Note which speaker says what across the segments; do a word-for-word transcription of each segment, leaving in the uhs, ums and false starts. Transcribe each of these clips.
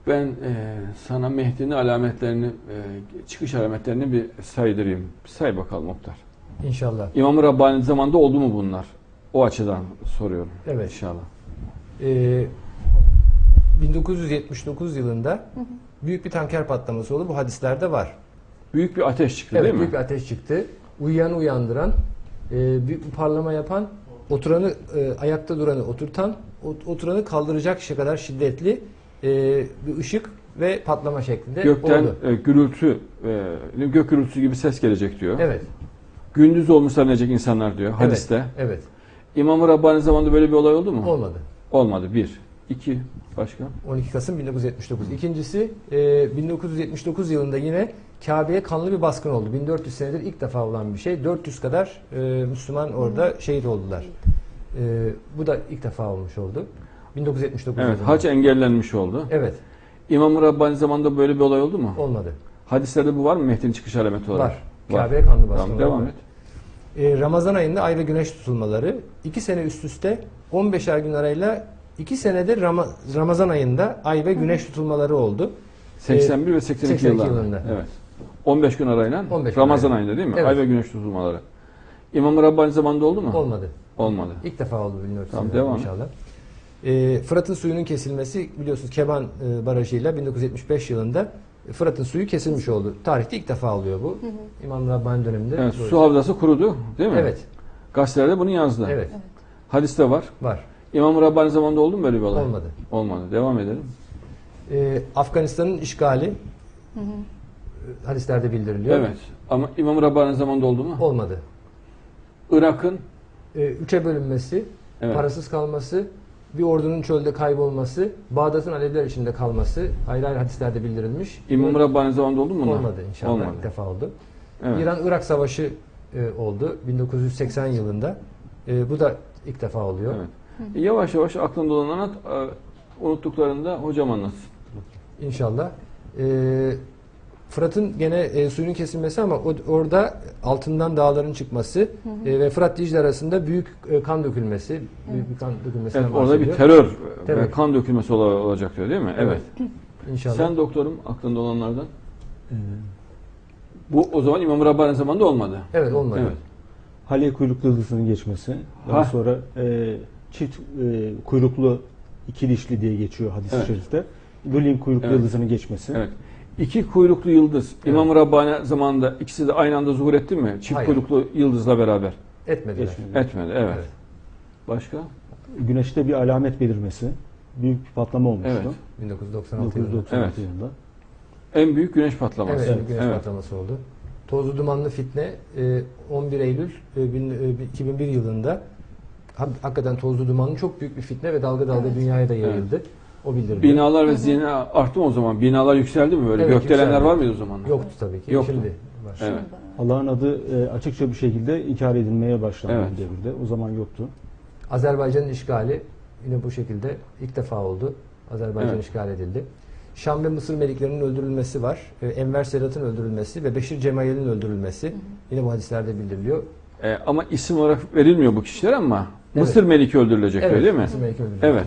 Speaker 1: Ben e, sana Mehdi'nin alametlerini, e, çıkış alametlerini bir saydırayım. Bir say bakalım Muhtar.
Speaker 2: İnşallah.
Speaker 1: İmam-ı Rabbani zamanında oldu mu bunlar? O açıdan soruyorum.
Speaker 2: Evet.
Speaker 1: İnşallah.
Speaker 2: Ee, bin dokuz yüz yetmiş dokuz yılında hı hı. büyük bir tanker patlaması oldu. Bu hadislerde var.
Speaker 1: Büyük bir ateş çıktı
Speaker 2: evet,
Speaker 1: değil mi?
Speaker 2: Büyük bir ateş çıktı. Uyuyanı uyandıran, e, büyük bir parlama yapan, oturanı e, ayakta duranı oturtan, oturanı kaldıracak şey kadar şiddetli e, bir ışık ve patlama şeklinde
Speaker 1: Gökten
Speaker 2: oldu.
Speaker 1: e, gürültü, e, gök gürültüsü gibi ses gelecek diyor.
Speaker 2: Evet.
Speaker 1: Gündüz olmuş zannedecek insanlar diyor hadiste.
Speaker 2: Evet. evet.
Speaker 1: İmam-ı Rabbani zamanında böyle bir olay oldu mu?
Speaker 2: Olmadı.
Speaker 1: Olmadı. Bir. İki. Başka?
Speaker 2: on iki Kasım bin dokuz yüz yetmiş dokuz. İkincisi e, bin dokuz yüz yetmiş dokuz yılında yine Kabe'ye kanlı bir baskın oldu. bin dört yüz senedir ilk defa olan bir şey. dört yüz kadar e, Müslüman orada şehit oldular. E, bu da ilk defa olmuş oldu. bin dokuz yüz yetmiş dokuz
Speaker 1: Evet.
Speaker 2: yılında.
Speaker 1: Hac engellenmiş oldu.
Speaker 2: Evet.
Speaker 1: İmam-ı Rabbani zamanında böyle bir olay oldu mu?
Speaker 2: Olmadı.
Speaker 1: Hadislerde bu var mı Mehdi'nin çıkış alameti olarak?
Speaker 2: Var. Kabe'ye kanlı baskın.
Speaker 1: Tamam, devam et.
Speaker 2: E, Ramazan ayında ay ve güneş tutulmaları. iki sene üst üste on beşer gün arayla iki senedir Ram Ramazan ayında ay ve güneş tutulmaları oldu.
Speaker 1: seksen bir ve seksen iki,
Speaker 2: seksen iki
Speaker 1: yıllarında.
Speaker 2: yılında.
Speaker 1: Evet. on beş gün arayla
Speaker 2: on beş gün
Speaker 1: Ramazan
Speaker 2: arayla.
Speaker 1: ayında değil mi?
Speaker 2: Evet.
Speaker 1: Ay ve güneş tutulmaları. İmam-ı Rabbani zamanında oldu mu?
Speaker 2: Olmadı.
Speaker 1: Olmadı.
Speaker 2: İlk defa oldu bilmiyorum.
Speaker 1: Tamam, devam.
Speaker 2: İnşallah. E, Fırat'ın suyunun kesilmesi biliyorsunuz Keban e, Barajı'yla bin dokuz yüz yetmiş beş yılında Fırat'ın suyu kesilmiş oldu. Tarihte ilk defa oluyor bu. Hı hı. İmam Rabbani döneminde.
Speaker 1: Evet, su havzası kurudu değil mi?
Speaker 2: Evet.
Speaker 1: Gazetelerde bunu yazdı.
Speaker 2: Evet.
Speaker 1: Hadiste var.
Speaker 2: Var.
Speaker 1: İmam-ı Rabbani zamanında oldu mu böyle bir olay?
Speaker 2: Olmadı.
Speaker 1: Olmadı. Devam edelim.
Speaker 2: Ee, Afganistan'ın işgali hı hı. hadislerde bildiriliyor.
Speaker 1: Evet. Ama İmam-ı Rabbani zamanında oldu mu?
Speaker 2: Olmadı.
Speaker 1: Irak'ın
Speaker 2: Ee, üçe bölünmesi,
Speaker 1: evet.
Speaker 2: parasız kalması, bir ordunun çölde kaybolması, Bağdat'ın Aleviler içinde kalması ayrı ayrı hadislerde bildirilmiş.
Speaker 1: İmam-ı Rabbani zamanında oldu mu bunlar?
Speaker 2: Olmadı inşallah.
Speaker 1: Olmadı.
Speaker 2: İlk defa oldu.
Speaker 1: Evet.
Speaker 2: İran-Irak Savaşı e, oldu bin dokuz yüz seksen yılında. E, bu da ilk defa oluyor.
Speaker 1: Evet. Hı. Yavaş yavaş aklında olan anlat, unuttuklarında hocam anlatsın.
Speaker 2: İnşallah. E, Fırat'ın gene e, suyun kesilmesi ama o, orada altından dağların çıkması hı hı. E, ve Fırat Dicle arasında büyük e, kan dökülmesi, hı. büyük bir kan dökülmesinden
Speaker 1: evet, orada bir terör, terör ve kan dökülmesi olacak diyor değil mi? Evet. evet.
Speaker 2: İnşallah.
Speaker 1: Sen doktorum aklında olanlardan. Ee, Bu o zaman İmam-ı Rabbani zamanında olmadı.
Speaker 2: Evet olmadı. Evet.
Speaker 3: Hale kuyruklu yıldızının geçmesi. Daha ha. sonra e, çift e, kuyruklu iki dişli diye geçiyor hadis-i evet. şerifte. Bölün kuyruklu evet. yıldızının geçmesi.
Speaker 1: Evet. İki kuyruklu yıldız evet. İmam-ı Rabbani zamanında ikisi de aynı anda zuhur etti mi? Çift Hayır. kuyruklu yıldızla beraber.
Speaker 2: Etmedi.
Speaker 1: Etmedi. Evet. evet. Başka?
Speaker 3: Güneşte bir alamet belirmesi. Büyük bir patlama olmuştu.
Speaker 1: Evet.
Speaker 2: bin dokuz yüz doksan altı,
Speaker 3: bin dokuz yüz doksan altı
Speaker 1: evet.
Speaker 3: yılında.
Speaker 1: En büyük güneş patlaması.
Speaker 2: Evet, evet. güneş evet. patlaması oldu. Tozlu dumanlı fitne on bir Eylül iki bin bir yılında hakikaten tozlu dumanlı çok büyük bir fitne ve dalga dalga evet. dünyaya da yayıldı. Evet. O bildirildi.
Speaker 1: Binalar ve zina arttı mı o zaman? Binalar yükseldi mi böyle? Evet, Gökdelenler yükseldi. Var mıydı o zaman?
Speaker 2: Yoktu tabii ki.
Speaker 1: Yoktu.
Speaker 2: Şimdi var.
Speaker 1: Evet.
Speaker 3: Allah'ın adı açıkça bir şekilde inkar edilmeye başlandı evet. devirde. O zaman yoktu.
Speaker 2: Azerbaycan'ın işgali yine bu şekilde ilk defa oldu. Azerbaycan evet. işgal edildi. Şam ve Mısır meliklerinin öldürülmesi var. Enver Sedat'ın öldürülmesi ve Beşir Cemayel'in öldürülmesi. Hı hı. Yine bu hadislerde bildiriliyor.
Speaker 1: Ee, ama isim olarak verilmiyor bu kişiler ama evet. Mısır Meliki öldürülecek
Speaker 2: evet,
Speaker 1: öyle değil mi?
Speaker 2: Mısır Meliki öldürülecek.
Speaker 1: Evet.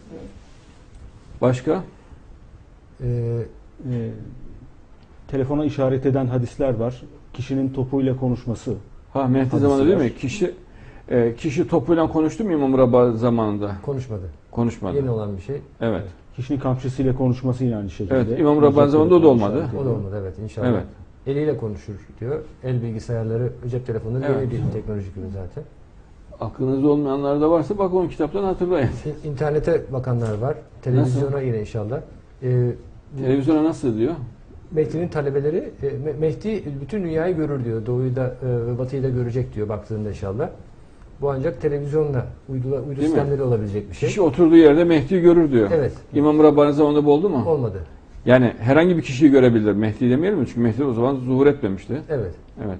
Speaker 1: Başka?
Speaker 3: Ee, e, telefona işaret eden hadisler var. Kişinin topuyla konuşması.
Speaker 1: Ha Mehdi zamanında değil mi? Kişi e, kişi topuyla konuştu mu İmam Rabbani zamanında?
Speaker 2: Konuşmadı.
Speaker 1: Konuşmadı.
Speaker 2: Yeni olan bir şey.
Speaker 1: Evet.
Speaker 3: Kişinin kamçısıyla konuşması yine aynı şekilde.
Speaker 1: Evet. İmam Rabbani zamanında o da olmadı.
Speaker 2: O da olmadı evet inşallah.
Speaker 1: Evet.
Speaker 2: Eliyle konuşur diyor. El bilgisayarları, cep telefonları evet. yeni bir teknolojik ürün zaten.
Speaker 1: Aklınızda olmayanlar da varsa bak on kitaptan hatırlayın.
Speaker 2: İnternete bakanlar var. Televizyona nasıl? Yine inşallah. Ee,
Speaker 1: Televizyona nasıl diyor?
Speaker 2: Mehdi'nin talebeleri, e, Mehdi bütün dünyayı görür diyor. Doğuyu da ve batıyı da görecek diyor baktığında inşallah. Bu ancak televizyonla, uydu, uydu sistemleri olabilecek bir şey.
Speaker 1: Kişi oturduğu yerde Mehdi'yi görür diyor.
Speaker 2: Evet.
Speaker 1: İmam Rabbani zamanında bu oldu mu?
Speaker 2: Olmadı.
Speaker 1: Yani herhangi bir kişiyi görebilir. Mehdi demeyelim mi? Çünkü Mehdi o zaman zuhur etmemişti.
Speaker 2: Evet.
Speaker 1: Evet.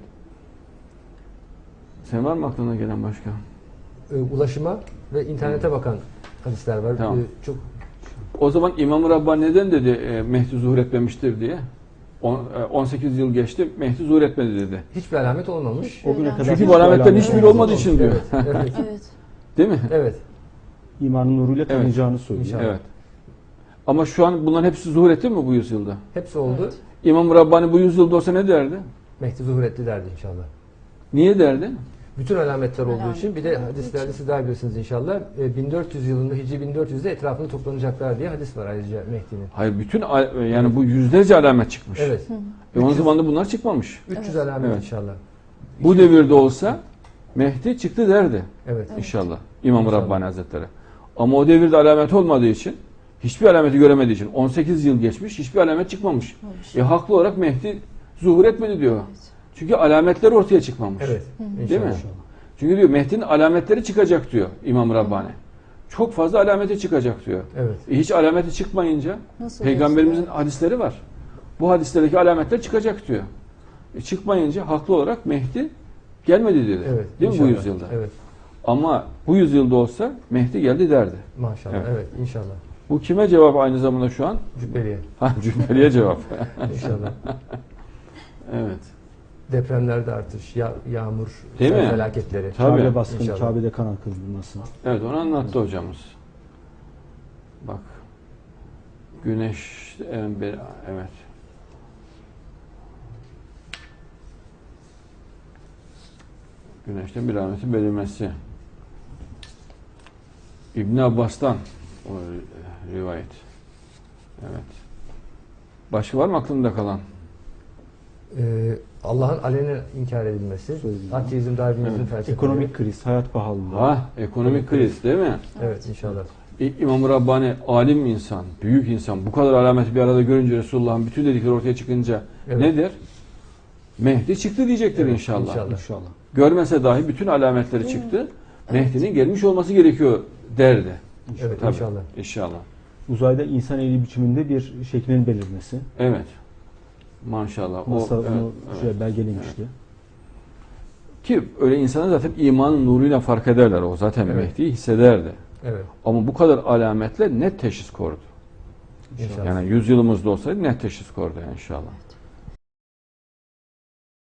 Speaker 1: Sen var mı aklına gelen başka?
Speaker 2: Ulaşıma ve internete hmm. bakan hadisler var.
Speaker 1: Tamam.
Speaker 2: Ee, çok.
Speaker 1: O zaman İmam-ı Rabbani neden dedi e, Mehdi zuhur etmemiştir diye? on sekiz yıl geçti, Mehdi zuhur etmedi dedi.
Speaker 2: Hiçbir alamet olmamış.
Speaker 3: O güne kadar
Speaker 1: çünkü bu alametlerin hiçbiri olmadığı için diyor.
Speaker 2: Evet. Evet.
Speaker 1: Evet. Değil mi?
Speaker 2: Evet.
Speaker 3: İmanın nuruyla tanıyacağını evet. söylüyor.
Speaker 1: Evet. Ama şu an bunların hepsi zuhur etti mi bu yüzyılda?
Speaker 2: Hepsi oldu.
Speaker 4: Evet.
Speaker 1: İmam Rabbani bu yüzyılda olsa ne derdi?
Speaker 2: Mehdi zuhur etti derdi inşallah.
Speaker 1: Niye derdi?
Speaker 2: Bütün alametler olduğu
Speaker 4: Alamet
Speaker 2: için bir de
Speaker 4: olduğu
Speaker 2: hadislerde
Speaker 4: için.
Speaker 2: siz daha biliyorsunuz inşallah e, bin dört yüz yılında Hicri bin dört yüzde etrafında toplanacaklar diye hadis var ayrıca Mehdi'nin.
Speaker 1: Hayır, bütün al- yani bu yüzlerce alamet çıkmış.
Speaker 2: Evet.
Speaker 1: E onun zamanında bunlar çıkmamış.
Speaker 2: üç yüz
Speaker 4: Evet.
Speaker 2: alamet
Speaker 1: Evet.
Speaker 2: inşallah.
Speaker 1: Bu devirde olsa Mehdi çıktı derdi
Speaker 2: Evet.
Speaker 1: inşallah İmam
Speaker 2: İnşallah.
Speaker 1: Rabbani Hazretleri. Ama o devirde alamet olmadığı için, hiçbir alameti göremediği için on sekiz yıl geçmiş, hiçbir alamet çıkmamış.
Speaker 4: Olmuş.
Speaker 1: E haklı olarak Mehdi zuhur etmedi diyor. Çünkü alametler ortaya çıkmamış.
Speaker 2: Evet.
Speaker 1: Değil mi?
Speaker 2: İnşallah.
Speaker 1: Çünkü diyor Mehdi'nin alametleri çıkacak diyor İmam Rabbani. Çok fazla alameti çıkacak diyor.
Speaker 2: Evet.
Speaker 1: E hiç alameti çıkmayınca
Speaker 4: Nasıl
Speaker 1: Peygamberimizin
Speaker 4: olacak?
Speaker 1: hadisleri var. Bu hadislerdeki alametler çıkacak diyor. E çıkmayınca haklı olarak Mehdi gelmedi dedi.
Speaker 2: Evet.
Speaker 1: Değil mi bu
Speaker 2: inşallah.
Speaker 1: yüzyılda?
Speaker 2: Evet.
Speaker 1: Ama bu yüzyılda olsa Mehdi geldi derdi.
Speaker 2: Maşallah.
Speaker 1: Evet.
Speaker 2: Evet. inşallah.
Speaker 1: Bu kime cevap aynı zamanda şu an?
Speaker 2: Cübbeliye.
Speaker 1: Ha, Cübbeli'ye cevap.
Speaker 2: İnşallah.
Speaker 1: Evet.
Speaker 2: Depremlerde artış, ya, yağmur,
Speaker 1: Değil
Speaker 2: sel
Speaker 1: mi?
Speaker 2: felaketleri.
Speaker 1: Tabii.
Speaker 3: Kabe baskını,
Speaker 2: İnşallah.
Speaker 3: Kabe'de kan akıtılması.
Speaker 1: Evet, onu anlattı hocamız. Bak. Güneş en bir evet. Güneşten bir alametin belirmesi. İbn Abbas'tan o rivayet. Evet. Başka var mı aklımda kalan?
Speaker 2: Ee, Allah'ın alenen inkar edilmesi.
Speaker 3: Söyleyeyim.
Speaker 2: Ateizm, Darwinizm
Speaker 1: Evet.
Speaker 2: felsefeleri.
Speaker 3: Ekonomik kriz, hayat pahalılığı.
Speaker 1: Ha, ekonomik kriz değil mi?
Speaker 2: Evet inşallah.
Speaker 1: İ- İmam Rabbani alim insan, büyük insan. Bu kadar alameti bir arada görünce Resulullah'ın bütün dedikleri ortaya çıkınca
Speaker 2: Evet.
Speaker 1: ne der? Mehdi çıktı diyecektir
Speaker 2: Evet,
Speaker 1: inşallah.
Speaker 2: inşallah.
Speaker 3: İnşallah.
Speaker 1: Görmese dahi bütün alametleri çıktı. Mehdi'nin gelmiş olması gerekiyor derdi.
Speaker 2: Evet
Speaker 1: Tabii.
Speaker 2: inşallah.
Speaker 1: İnşallah.
Speaker 3: Uzayda insan eli biçiminde bir şeklinin belirmesi.
Speaker 1: Evet. Maşallah. O,
Speaker 3: NASA
Speaker 1: evet,
Speaker 3: bunu
Speaker 1: evet.
Speaker 3: şöyle belgelemişti.
Speaker 1: Ki öyle insanlar zaten imanın nuruyla fark ederler. O zaten
Speaker 2: Evet.
Speaker 1: Mehdi'yi hissederdi.
Speaker 2: Evet
Speaker 1: Ama bu kadar alametle net teşhis koydu.
Speaker 2: inşallah.
Speaker 1: Yani yüzyılımızda olsaydı net teşhis koydu inşallah.